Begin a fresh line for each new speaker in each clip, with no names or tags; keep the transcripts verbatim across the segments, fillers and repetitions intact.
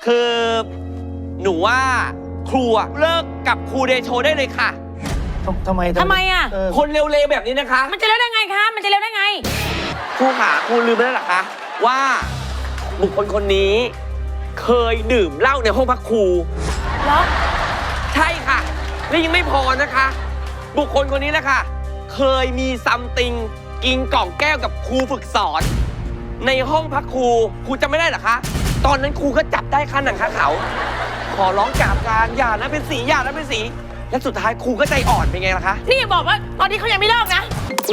คือหนูว่าครูเลิกกับครูเดโชได้เลยค่ะ
ทำไม
ทำไมอ่ะ
คนเร็วๆแบบนี้นะคะ
มันจะเร็วได้ไงคะมันจะเร็วได้ไง
ครูขาครูลืมไปแล้วหรอคะว่าบุคคลคนนี้เคยดื่มเหล้าในห้องพักครู
เหรอ
ใช่ค่ะและยังไม่พอนะคะ บุคคลคนนี้แหละค่ะเคยมีซัมติงกินกล่องแก้วกับครูฝึกสอนในห้องพักครูครูจำไม่ได้หรอคะตอนนั้นครูก็จับได้ค่าหนังค่าเขาขอร้องกราบกรานอย่านะเป็นสีอย่านะเป็นสีและสุดท้ายครูก็ใจอ่อนเป็นไงล่ะคะ
นี่บอกว่าตอนนี้เขายังไม่เลิกนะ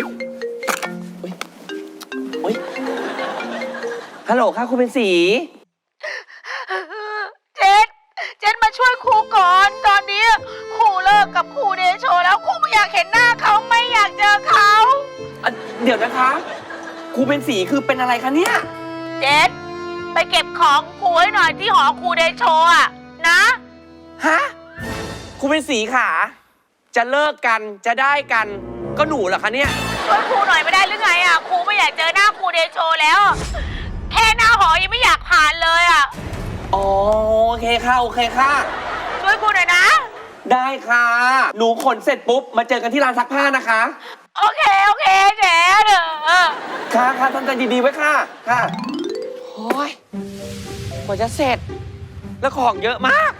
อุ๊ยฮัลโหลค่ะครูเป็นสี
เจนเจนมาช่วยครูก่อนตอนนี้ครูเลิกกับครูเดโชแล้วครูไม่อยากเห็นหน้าเขาไม่อยากเจอเขา
เดี๋ยวนะคะครูเป็นสีคือเป็นอะไรคะเนี่ย
เจนไปเก็บของครูให้หน่อยที่หอครูเดโชอ่ะนะ
ฮะครูเป็นสีขาจะเลิกกันจะได้กันก็หนูเหรอคะเนี่ย
ช่วยครูหน่อยไม่ได้หรือไงอ่ะครูไม่อยากเจอหน้าครูเดโชแล้วแค่หน้าหอยังไม่อยากผ่านเลยอ่ะ
อ๋อโอเคค่ะโอเคค่ะ
ช่วยครูหน่อยนะ
ได้ค่ะหนูขนเสร็จปุ๊บมาเจอกันที่ร้านซักผ้านะคะ
โอเคโอเคเจ๊เด้อ
ค่ะค่ะทำใจดีๆไว้ค่ะค่ะโอ้ยกว่าจะเสร็จแล้วของเยอะมาก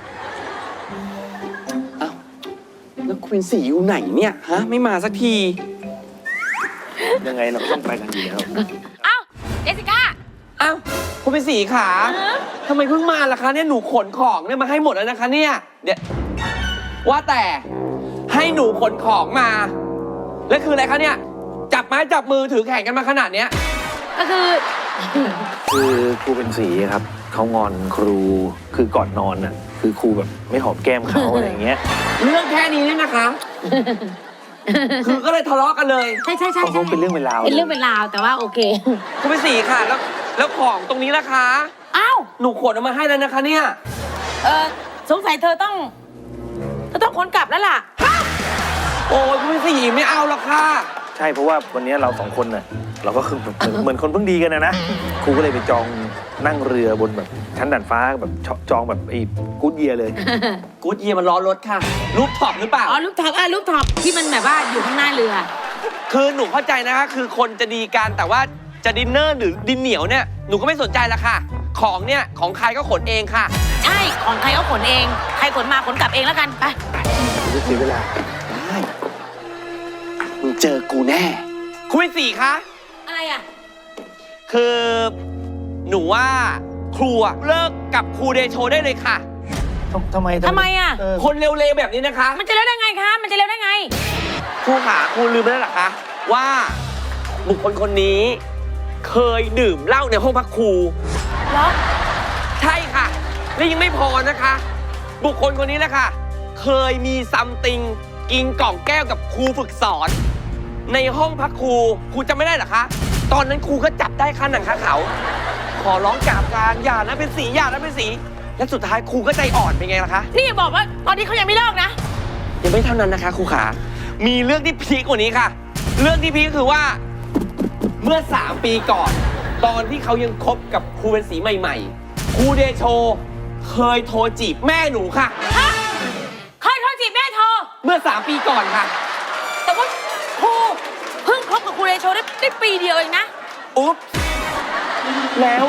เอ้าแล้วคุณเป็นสีอยู่ไหนเนี่ยฮะไม่มาสักที
ยังไงเราต้องไปกันอยู่แล้ว
เอ้าเจสสิก้า
เอ้าคุณเป็นสีขาทำไมเพิ่งมาล่ะคะเนี่ยหนูขนของเนี่ยมาให้หมดแล้วนะคะเนี่ยเดี๋ยวว่าแต่ให้หนูขนของมาแล้วคืออะไรคะเนี่ยจับไม้จับมือถือแข่งกันมาขนาดเนี้ย
ก็คือ
คือครูเป็นสีครับเขางอนครูคือก่อนนอนน่ะคือครูแบบไม่หอมแก้มเขาอะไรอย่างเงี้ย
เรื่องแค่นี้เนี่ยนะคะคือก็เลยทะเลาะกันเลย
ใช่ใช่ใช่
เป็นเรื่องเป็นราว
เป็นเรื่องเป็นราวแต่ว่าโอเค
ครูเป็นสีค่ะแล้วแล้วของตรงนี้ล่ะคะ
อ้าว
หนูขนออกมาให้แล้วนะคะเนี่ย
เออสงสัยเธอต้องเธอต้องขนกลับแล้วล่ะ
โอ้ยครูเป็นสีไม่เอาหรอกค่ะ
ใช่เพราะว่าวันนี้เราสองคนน่ะเราก็คือเหมือนคนเพิ่งดีกันนะนะครูก็เลยไปจองนั่งเรือบนแบบชั้นด่านฟ้าแบบจองแบบไอ้กู๊ดเยียเลย
กู๊ดเยียมันล้อรถค่ะรูปท็อปหรือเปล่า
อ๋อรูปท็อปอ่ะรูปท็อปที่มันแบบว่าอยู่ข้างหน้าเรือ
คือหนูเข้าใจนะคะคือคนจะดีกันแต่ว่าจะดินเนอร์หรือดินเหนียวเนี่ยหนูก็ไม่สนใจละค่ะของเนี่ยของใครก็ขนเองค่ะ
ใช่ของใครก็ขนเองใครขนมาขนกลับเองแล้วกันไป
ไม่เสียเวลา
ได้มึงเจอกูแน่คุยสี่คะ
อะไรอ่ะ
คือหนูว่าครูเลิกกับครูเดโชได้เลยค่ะ
ทำไม
ทำไมอ่ะ
คนเร็วๆแบบนี้นะคะ
มันจะเร็วได้ไงคะมันจะเร็วได้ไง
ครูขาครูลืมไปแล้วหรอคะว่าบุคคลคนนี้เคยดื่มเหล้าในห้องพักครู
เหรอ
ใช่ค่ะและยังไม่พอนะคะ บุคคลคนนี้แหละค่ะเคยมีซัมติงกินกล่องแก้วกับครูฝึกสอนในห้องพักครูครูจำไม่ได้หรอคะตอนนั้นครูก็จับได้ค่าหนังค่าเขาขอร้องกราบกรานอย่านะเป็นสีอย่านะเป็นสีและสุดท้ายครูก็ใจอ่อนเป็นไงล่ะคะ
นี่บอกว่าตอนนี้เขายังไม่เลิกนะ
ยังไม่เท่านั้นนะคะครูขามีเรื่องที่พีคกว่านี้ค่ะเรื่องที่พีคคือว่าเมื่อสามปีก่อนตอนที่เขายังคบกับครูเป็นสีใหม่ๆครูเดโชเคยโทรจีบแม่หนูค่ะ
ฮะเคยโทรจีบแม่เธอ
เมื่อสามปีก่อนค่ะ
แต่ว่าครูเพิ่งคบกับครูเดโชได้ได้ปีเดียวเองนะ
อุ๊บแล้ว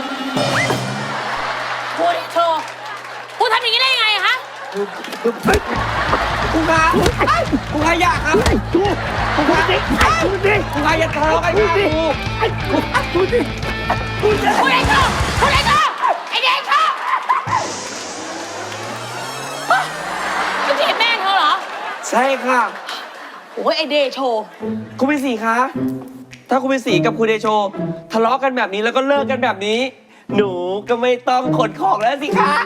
ครูเดโชครูทำอย่างนี้ได้ยังไงฮะ
ครูขาครูขาอยากครับครูขาดิครูดิครูขาอย่าทะเลาะกันครับครูครูดิ
ครูดิครูเดโชครูเดโชไอเดโชจีบแม่เธอเหรอ
ใช่ค่ะ
โอ้ยไอเดโช
ครูเป็นสีคะถ้าครูเป็นสีกับครูเดโชทะเลาะกันแบบนี้แล้วก็เลิกกันแบบนี้หนูก็ไม่ต้องขนของแล้วสิคะ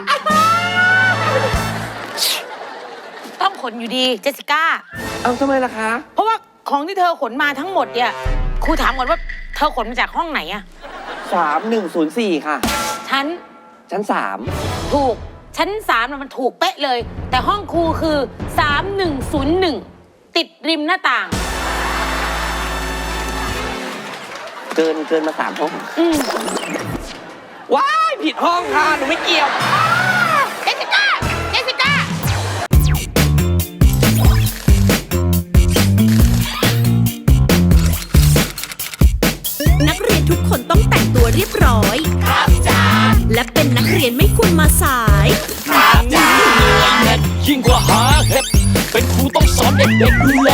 ต้องขนอยู่ดีเจสสิก้า
เอาทำไมล่ะคะ
เพราะว่าของที่เธอขนมาทั้งหมดเนี่ยครูถามก่อนว่าเธอขนมาจากห้องไหนอะ
สามหนึ่งศูนย์สี่ค่ะ
ชั้น
ชั้นสาม
ถูกชั้นสามมันถูกเป๊ะเลยแต่ห้องครูคือสามหนึ่งศูนย์หนึ่งติดริมหน้าต่าง
เกินเกินมาสามห้องว้ายผิดห้องค่ะหนูไม่เกี่ยว
ต้องแต่งตัวเรียบร้อย ครับจ้าและเป็นนักเรียนไม่ควรมาสาย
ยิ่งกว่าหาเห็ดเป็นครูต้องสอนเด็กๆดูแล